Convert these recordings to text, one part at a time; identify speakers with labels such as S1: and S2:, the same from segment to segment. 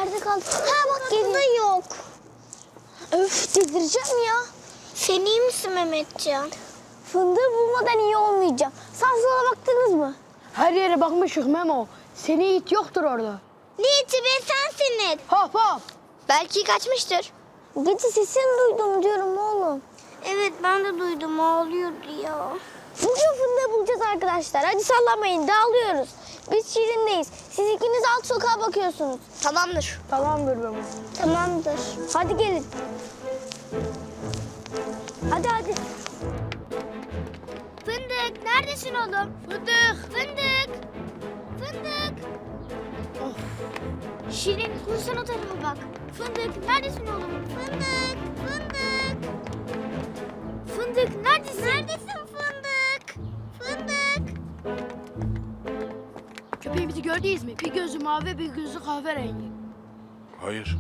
S1: nerede kaldı? Ha bak geliyor. Yok. Öf delireceğim ya.
S2: Sen iyi misin Mehmetcan?
S1: Fındığı bulmadan iyi olmayacağım. Sağa sola baktınız mı?
S3: Her yere bakmışık Memo. Seni it yoktur orada.
S2: Ne iti be sensin it.
S3: Hop hop.
S2: Belki kaçmıştır.
S1: Gece sesini duydum diyorum oğlum.
S2: Evet ben de duydum ağlıyordu ya.
S1: Bugün fındığı bulacağız arkadaşlar. Hadi sallamayın dağılıyoruz. Biz Şirin'deyiz. Siz ikiniz alt sokağa bakıyorsunuz.
S2: Tamamdır.
S3: Tamamdır Memo.
S1: Tamamdır. Hadi gelin. Hadi.
S2: Fındık neredesin oğlum? Fındık.
S3: Of.
S2: Şirin kursan o tarafa bak. Fındık neredesin oğlum? Fındık neredesin? Neredesin Fındık?
S3: Köpeğimizi gördünüz mü? Bir gözü mavi, bir gözü kahverengi.
S4: Hayır.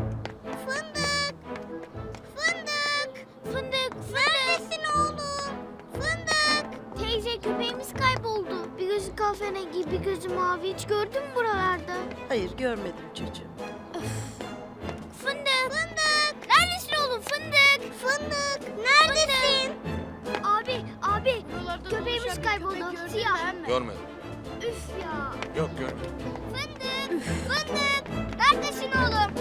S2: Fındık neredesin oğlum? Fındık. Teyze köpeğimiz kayboldu. Bir gözü kahverengi, bir gözü mavi. Hiç gördün mü buralarda?
S5: Hayır görmedim çocuğum.
S2: Fındık. Neredesin oğlum Fındık? Neredesin? Abi.
S3: Buralarda
S2: Köpeğimiz
S3: dolaşan bir
S2: kayboldu.
S3: köpek gördün mü
S2: Siyah.
S3: emmi?
S4: Görmedim.
S2: Üf ya.
S4: Yok görmedim.
S2: Fındık. Neredesin oğlum?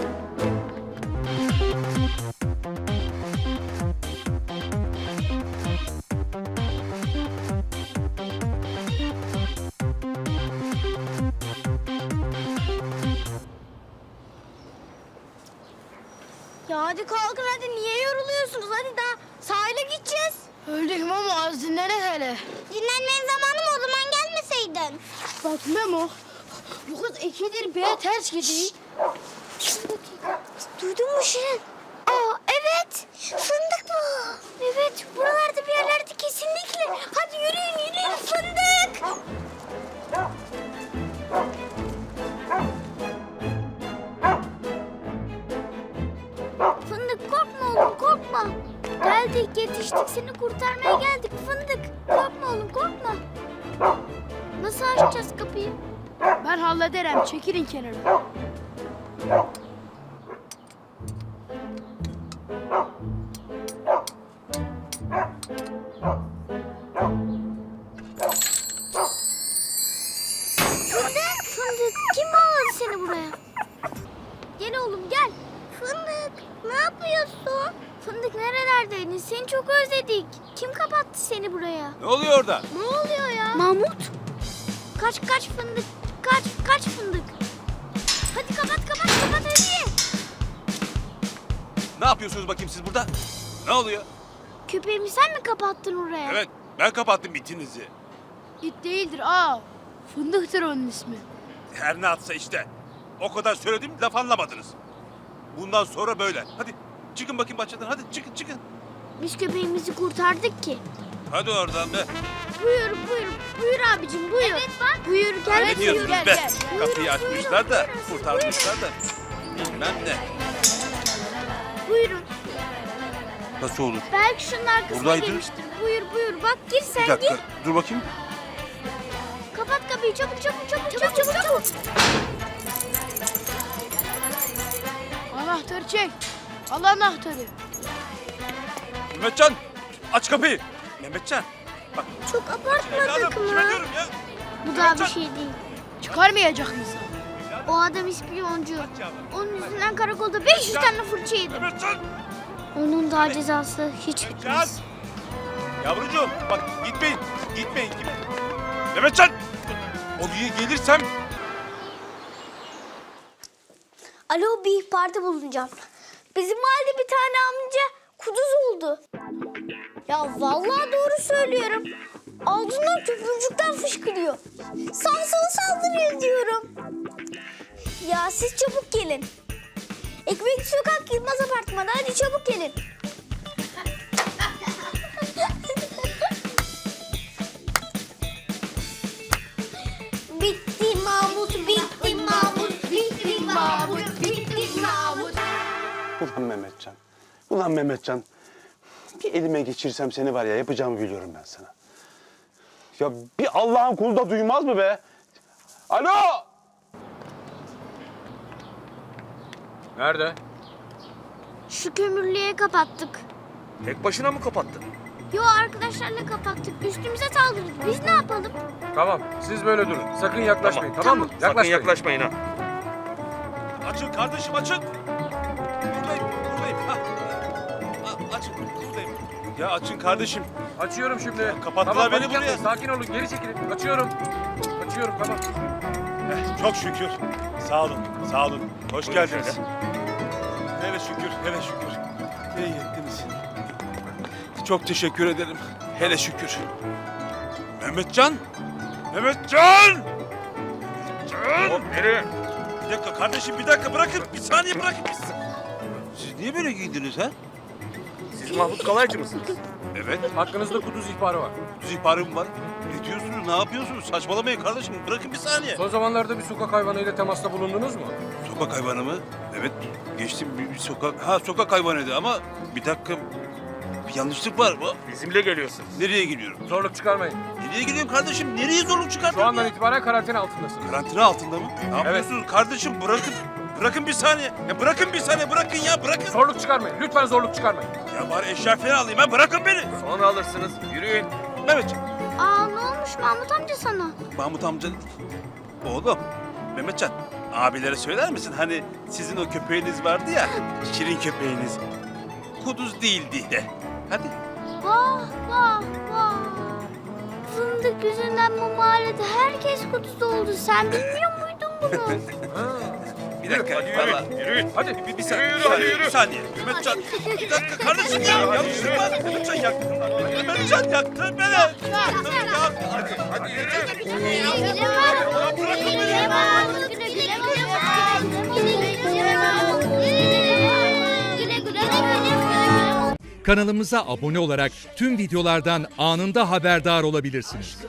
S2: Ya hadi kalkın hadi niye yoruluyorsunuz? Hadi daha sahile gideceğiz.
S3: Öldük Memo, az dinlenek hele.
S2: Dinlenmenin zamanı mı o zaman gelmeseydin?
S3: Bak Memo, bu kız ikidir B'ye ters gidiyor.
S2: Duydun mu Şirin? Aa evet. Fındık bu. Evet buralarda bir yerlerde kesinlikle. Hadi yürüyün fındık. Fındık korkma oğlum korkma. Geldik yetiştik seni kurtarmaya geldik fındık. Korkma oğlum korkma. Nasıl açacağız kapıyı?
S3: Ben hallederim, çekilin kenara.
S2: Fındık kim bağladı seni buraya? Gel oğlum gel. Fındık ne yapıyorsun? Fındık nerelerdeydin? Seni çok özledik. Kim kapattı seni buraya?
S4: Ne oluyor orada?
S2: Ne oluyor ya? Mahmut. Kaç fındık. Kaç fındık. Hadi kapat hadi.
S4: Ne yapıyorsunuz bakayım siz burada? Ne oluyor?
S2: Köpeğimi sen mi kapattın oraya?
S4: Evet ben kapattım itinizi.
S3: İt değildir, aa. Fındıktır onun ismi.
S4: Her ne atsa işte. O kadar söyledim laf anlamadınız. Bundan sonra böyle. Hadi çıkın bakayım bahçeden hadi çıkın.
S2: Biz köpeğimizi kurtardık ki.
S4: Hadi oradan be.
S2: Buyur abicim buyur. Evet bak. Buyur gel.
S4: Ne diyorsunuz
S3: gel,
S4: be?
S3: gel.
S4: Kapıyı açmışlar da kurtarmışlar da. Bilmem ne.
S2: Buyurun.
S4: Nasıl olur?
S2: Belki şunun arkasına
S4: Buradaydı.
S2: girmiştir. Buyur. Bak gir sen
S4: Bir dakika
S2: gir.
S4: dur bakayım.
S2: Kapat kapıyı çabuk.
S3: Anahtarı çek. Al anahtarı.
S4: Mehmetcan aç kapıyı. Mehmetcan. Bak
S2: Çok abartmadık
S4: evladım kime
S2: mı?
S4: diyorum ya.
S2: Bu daha bir şey değil.
S3: Çıkarmayacak mısın?
S2: O adam ispiyoncu. Onun yüzünden karakolda 500 tane fırça yedim.
S4: Mehmetcan.
S2: Onun daha cezası hiç
S4: Mehmetcan.
S2: bitmez.
S4: Yavrucuğum bak gitmeyin. Mehmetcan. Oraya gelirsem
S1: Alo bir ihbarda bulunacağım. Bizim mahallede bir tane amca kuduz oldu. Ya vallahi doğru söylüyorum. Ağzından köpürcükten fışkırıyor. Sağ sola saldırıyor diyorum. Ya siz çabuk gelin. Ekmek Sokak Yılmaz Apartmanı. Hadi çabuk gelin. Bitti Mahmut, bitti Mahmut, bitti Mahmut, bitti Mahmut.
S6: Ulan Mehmetcan. Bir elime geçirsem seni var ya yapacağımı biliyorum ben sana. Ya bir Allah'ın kulu da duymaz mı be? Alo!
S7: Nerede?
S2: Şu kömürlüğe kapattık.
S7: Tek başına mı kapattın?
S2: Yo, arkadaşlarla kapattık. Üstümüze saldırdı. Biz ne yapalım?
S7: Tamam, siz böyle durun. Sakın yaklaşmayın, tamam mı?
S2: Tamam.
S7: Yaklaşmayın.
S8: ha.
S4: Açın kardeşim açın. Buradayım. Ha. Açın buradayım. Ya açın kardeşim.
S7: Açıyorum şimdi.
S4: kapattılar
S7: Tamam,
S4: beni
S7: panik yapmayın.
S4: buraya.
S7: Sakin olun, geri çekilin. Açıyorum, tamam.
S4: Çok şükür. Sağ olun. Hoş geldiniz. Hele şükür. İyi ettiniz. Çok teşekkür ederim. Hele şükür. Mehmetcan!
S8: Hop nereye?
S4: Bir dakika kardeşim bir dakika bırakın. Bir saniye bırakın. Siz niye böyle giyindiniz ha?
S8: Siz Mahmut Kalaycı mısınız?
S4: Evet.
S7: Hakkınızda kuduz ihbarı var.
S4: Düz ihbarım var. Ne diyorsunuz? Ne yapıyorsunuz? Saçmalamayın kardeşim. Bırakın bir saniye.
S7: Son zamanlarda bir sokak hayvanıyla temasta bulundunuz mu?
S4: Sokak hayvanı mı? Evet. Geçtim bir sokak. Ha sokak hayvanıydı ama bir dakika. Bir yanlışlık var.
S8: Bizimle geliyorsunuz.
S4: Nereye gidiyorum?
S7: Zorluk çıkarmayın.
S4: Nereye gidiyorum kardeşim? Nereye zorluk
S7: Şu
S4: çıkartıyorum
S7: andan
S4: ya?
S7: itibaren karantina altındasınız.
S4: Karantina altında mı? Ne yapıyorsunuz kardeşim? Bırakın bir saniye. Ya bırakın bir saniye. Bırakın.
S7: Zorluk çıkarmayın. Lütfen zorluk çıkarmayın.
S4: Ya bari eşya falan alayım. Ha bırakın beni.
S8: Sonra alırsınız. Yürüyün.
S4: Mehmetciğim.
S2: Aa, ne olmuş Mahmut amca sana?
S4: Mahmut amca. Oğlum. Mehmetcan. Abilere söyler misin? Hani sizin o köpeğiniz vardı ya. Şirin köpeğiniz. Kuduz değildi de. Hadi.
S2: Vah. Fındık yüzünden bu mahallede herkes kuduz oldu. Sen bilmiyor muydun bunu?
S4: Bir dakika.
S8: Hadi
S4: vallahi-
S8: yürü. Yürüyün.
S7: Hadi.
S4: Bir saniye.
S8: Yürü,
S4: bir saniye,
S8: yürü.
S4: Bir saniye. Mehmetcan. Bir dakika kardeşim ya. Yanlışlık var. Mehmetcan yaktın. Mehmetcan yaktın beni.
S8: Hadi yürü.
S9: Kanalımıza abone olarak tüm videolardan anında haberdar olabilirsiniz.